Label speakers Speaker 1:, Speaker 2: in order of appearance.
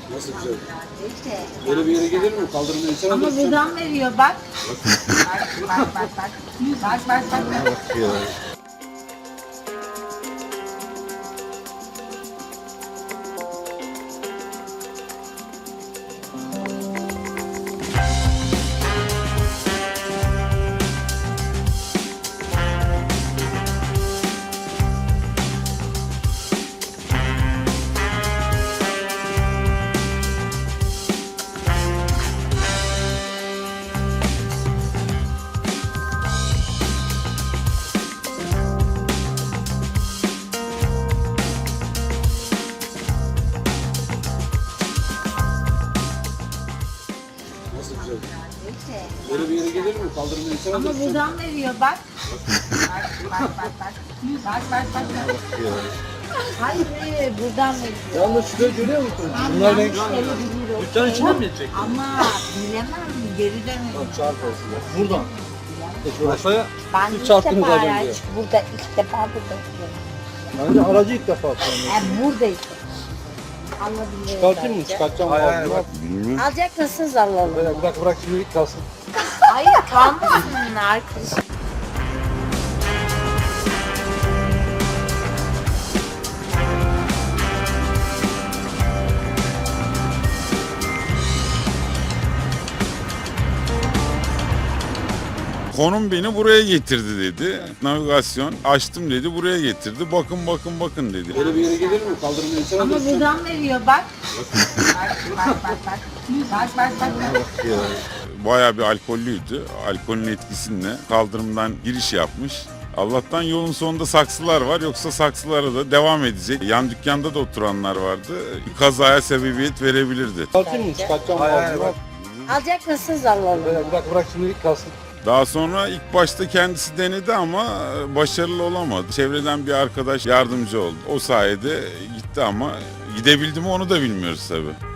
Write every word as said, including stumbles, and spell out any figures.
Speaker 1: Nasıl güzel?
Speaker 2: İşte.
Speaker 1: Böyle bir yere gelir mi? Kaldırımda insan
Speaker 2: Ama
Speaker 1: alırsın.
Speaker 2: buradan veriyor bak. Bak bak bak bak. Bak bak bak. bak.
Speaker 1: Nasıl güzel?
Speaker 2: İşte.
Speaker 1: Böyle bir yere gelir mi? Kaldırımda insan
Speaker 2: Ama
Speaker 1: alırsın.
Speaker 2: buradan veriyor bak. Bak bak bak bak. Bak bak bak. bak. Hayır hayır buradan veriyor.
Speaker 1: Yalnız şurayı görüyor musun?
Speaker 2: Tam
Speaker 1: Bunlar ne?
Speaker 2: yanlış yere gidiyor.
Speaker 1: Dükkan içine mi gidecek?
Speaker 2: Ama bilemem geri dönüyor.
Speaker 1: Çarp olsun. Buradan. Buraya
Speaker 2: Ben
Speaker 1: Siz
Speaker 2: ilk
Speaker 1: çarptınız
Speaker 2: defa
Speaker 1: az önce.
Speaker 2: araç burada ilk defa burada oturuyorum.
Speaker 1: bence aracı ilk defa kullanıyorum.
Speaker 2: Yani buradayız. Anladım.
Speaker 1: Çıkartayım mı? Çıkartacağım. Hayır hayır bak.
Speaker 2: Alacak mısınız alalım.
Speaker 1: Bırak bırak bırak şimdilik kalsın.
Speaker 2: Hayır kalmasın arkadaşım.
Speaker 3: Konum beni buraya getirdi dedi. Navigasyon açtım dedi, buraya getirdi. Bakın bakın bakın dedi.
Speaker 1: Böyle bir yere gelir mi? Kaldırımda insan
Speaker 2: Ama
Speaker 1: alırsın.
Speaker 2: buradan veriyor bak. Bak bak bak bak. Bak bak bak. bak.
Speaker 3: Bayağı bir alkollüydü. Alkolün etkisiyle kaldırımdan giriş yapmış. Allah'tan yolun sonunda saksılar var, yoksa saksılara da devam edecek. Yan dükkanda da oturanlar vardı. Bir kazaya sebebiyet verebilirdi.
Speaker 1: Çıkartayım mı? Çıkartacağım. Hayır hayır bak.
Speaker 2: Alacak mısınız alalım.
Speaker 1: Bırak bırak bırak şimdilik kalsın.
Speaker 3: Daha sonra ilk başta kendisi denedi ama başarılı olamadı. Çevreden bir arkadaş yardımcı oldu. O sayede gitti ama gidebildi mi onu da bilmiyoruz tabii.